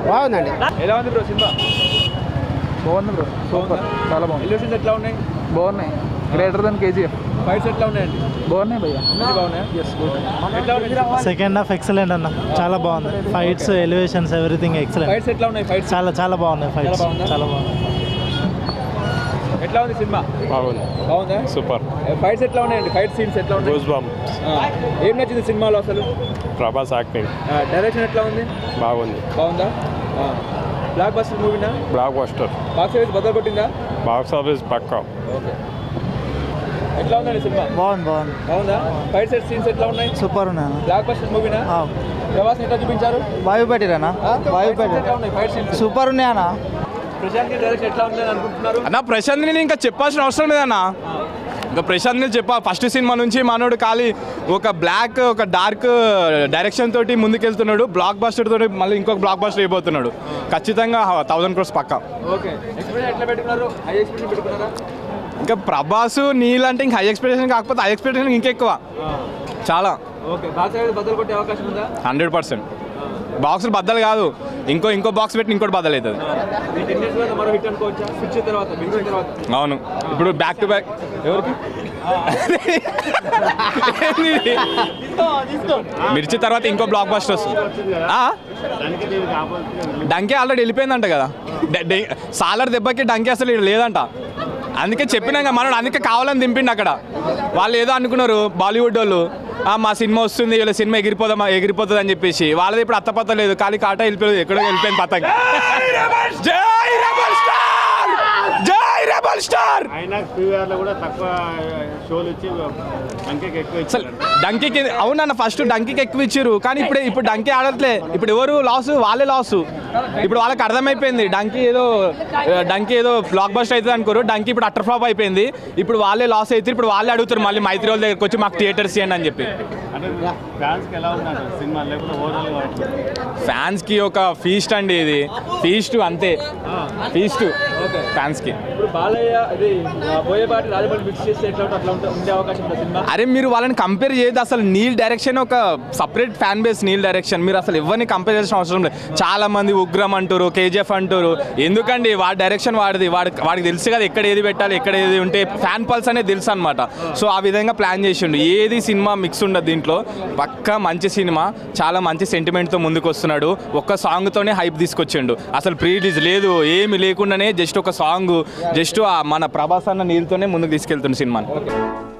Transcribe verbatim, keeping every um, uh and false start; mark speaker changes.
Speaker 1: బాగుందండి.
Speaker 2: ఎలా ఉంది బ్రో సినిమా?
Speaker 3: బాగుంది బ్రో, సూపర్, చాలా బాగుంది.
Speaker 2: ఎలివేషన్స్ ఎట్లా ఉన్నాయి?
Speaker 3: బాగున్నాయి, గ్రేటర్ దెన్ కేజీఎఫ్.
Speaker 2: ఫైట్స్ ఎట్లా ఉన్నాయండి?
Speaker 3: బాగున్నాయి భయ్యా,
Speaker 2: అన్ని బాగున్నాయా?
Speaker 3: Yes good.
Speaker 2: ఎట్లా ఉన్నాయి?
Speaker 4: సెకండ్ హాఫ్ ఎక్సలెంట్ అన్న, చాలా బాగుంది. Fights, elevations, everything excellent.
Speaker 2: Fights ఎట్లా ఉన్నాయి? ఫైట్స్
Speaker 4: చాలా చాలా బాగున్నాయి. ఫైట్స్ చాలా బాగుంది.
Speaker 2: ఎట్లా ఉంది సినిమా?
Speaker 5: బాగుంది,
Speaker 2: బాగుందా?
Speaker 5: సూపర్.
Speaker 2: ఫైట్స్ ఎట్లా ఉన్నాయండి? ఫైట్ సీన్స్ ఎట్లా ఉన్నాయి?
Speaker 5: Goose bumps.
Speaker 2: ఏం నచ్చింది సినిమాలో అసలు?
Speaker 5: ప్రభాస్ యాక్టింగ్
Speaker 2: డైరెక్షన్ ఎట్లా ఉంది?
Speaker 5: బాగుంది.
Speaker 2: బాగుందా? బ్లాక్ బస్టర్ మూవీనా?
Speaker 5: Blockbuster.
Speaker 2: బాక్స్ ఆఫీస్ బద్దలు కొట్టిందా?
Speaker 5: బాక్స్ ఆఫీస్ పక్కా.
Speaker 2: ఓకే. ఎట్లా ఉందండి సినిమా?
Speaker 4: బాగుంది బాగుంది.
Speaker 2: బాగుందా? ఫైట్ సెట్ సీన్స్ ఎట్లా ఉన్నాయి?
Speaker 4: సూపర్ ఉన్నాయన్న.
Speaker 2: Black blockbuster మూవీనా? ప్రభాస్ ఎట్లా చూపించారు?
Speaker 4: వాయు పెట్టిరనా? వాయు పెట్టి
Speaker 2: ఫైట్ సీన్స్
Speaker 4: సూపర్ ఉన్నాయన్న.
Speaker 2: ప్రశాంత్ డైరెక్షన్ ఎట్లా ఉంది అనుకుంటున్నారు?
Speaker 6: అన్న ప్రశాంత్ ని ఇంకా చెప్పాల్సిన అవసరం లేదన్నా. ఇంకా ప్రశాంత్ ని చెప్పా, ఫస్ట్ సినిమా నుంచి మనోడు ఖాళీ ఒక బ్లాక్ ఒక డార్క్ డైరెక్షన్ తోటి ముందుకెళ్తున్నాడు. బ్లాక్ బస్టర్ తోటి మళ్ళీ ఇంకొక బ్లాక్ బస్టర్ అయిపోతున్నాడు. ఖచ్చితంగా థౌసండ్ క్రోర్స్ పక్కా.
Speaker 2: ఓకే. ఎక్స్పెక్టేషన్ ఎట్లా పెట్టుకున్నారు? హై ఎక్స్పెక్టేషన్ పెట్టుకున్నారా?
Speaker 6: ఇంకా ప్రభాస్ నీళ్ళు అంటే ఇంకా హై ఎక్స్పెక్టేషన్ కాకపోతే హై ఎక్స్పెక్టేషన్ ఇంకెక్కువ చాలా.
Speaker 2: ఓకే. బాక్స్ ఆఫీస్ బద్దలు కొట్టే అవకాశం ఉందా?
Speaker 6: Hundred percent. బాక్సులు బద్దలు కాదు, ఇంకో ఇంకో బాక్స్ పెట్టి ఇంకోటి బద్దలు అవుతుంది.
Speaker 2: మరో హిట్ అనుకోవచ్చా? పిక్చర్ తర్వాత పిక్చర్ తర్వాత
Speaker 6: అవును, ఇప్పుడు బ్యాక్ టు బ్యాక్. ఎవరికి? మిర్చి తర్వాత ఇంకో బ్లాక్ బస్టర్ వస్తుంది. డంకే ఆల్రెడీ వెళ్ళిపోయిందంట కదా. సాలర్ దెబ్బకి డంకే అసలు లేదంట. అందుకే చెప్పినాక మనోడు అందుకే కావాలని దింపిండి అక్కడ. వాళ్ళు ఏదో అనుకున్నారు బాలీవుడ్ వాళ్ళు, మా సినిమా వస్తుంది వీళ్ళ సినిమా ఎగిరిపోదా ఎగిరిపోతుంది అని చెప్పేసి. వాళ్ళది ఇప్పుడు అత్తపత్త లేదు, ఖాళీ కాటా వెళ్ళిపోలేదు, ఎక్కడో వెళ్ళిపోయింది పతంగ. జై రెబల్ స్టార్, జై రెబల్ స్టార్. అసలు డంకీకి అవునన్న ఫస్ట్ డంకీకి ఎక్కువ ఇచ్చారు, కానీ ఇప్పుడు ఇప్పుడు డంకీ ఆడట్లే. ఇప్పుడు ఎవరు లాస్? వాళ్ళే లాసు. ఇప్పుడు వాళ్ళకి అర్థమైపోయింది డంకీ ఏదో డంకీ ఏదో బ్లాక్ బస్టర్ అవుతుంది అనుకోరు. డంకీ ఇప్పుడు అటర్ ఫ్లాప్ అయిపోయింది. ఇప్పుడు వాళ్ళే లాస్ అవుతారు. ఇప్పుడు వాళ్ళే అడుగుతారు మళ్ళీ మైత్రి వాళ్ళ దగ్గరికి వచ్చి మాకు థియేటర్స్ ఇవ్వండి అని చెప్పి. ఫ్యాన్స్కి ఒక ఫీస్ట్ అండి, ఇది ఫీస్ట్ అంతే, ఫీస్ట్ ఫ్యాన్స్కి.
Speaker 2: ఇప్పుడు బాలయ్య ఇది బోయపాటి రాజమౌళి మిక్స్ చేస్తే ఎట్లా అట్లా ఉండే అవకాశం ఉందా సినిమా?
Speaker 6: అరే మీరు వాళ్ళని కంపేర్ చేయదు. అసలు నీల్ డైరెక్షన్ ఒక separate fan base. Neel direction మీరు అసలు ఎవరిని కంపేర్ చేసిన అవసరం లేదు. చాలా మంది ఉగ్రం అంటారు, కేజీఎఫ్ అంటారు. ఎందుకండి? వాడి డైరెక్షన్ వాడిది, వాడి వాడికి తెలుసు కదా ఎక్కడ ఏది పెట్టాలి, ఎక్కడ ఏది ఉంటే ఫ్యాన్ పల్స్ అనేది తెలుసు అనమాట. సో ఆ విధంగా ప్లాన్ చేసిండు. ఏది సినిమా మిక్స్ ఉండదు దీంట్లో. పక్కా మంచి సినిమా, చాలా మంచి సెంటిమెంట్తో ముందుకు వస్తున్నాడు. ఒక్క సాంగ్తోనే హైప్ తీసుకొచ్చిండు. అసలు ప్రీ రిలీజ్ లేదు, ఏమి లేకుండానే జస్ట్ ఒక సాంగ్, జస్ట్ మన ప్రభాస్ అన్న నీళ్ళతోనే ముందుకు తీసుకెళ్తుండు సినిమాని.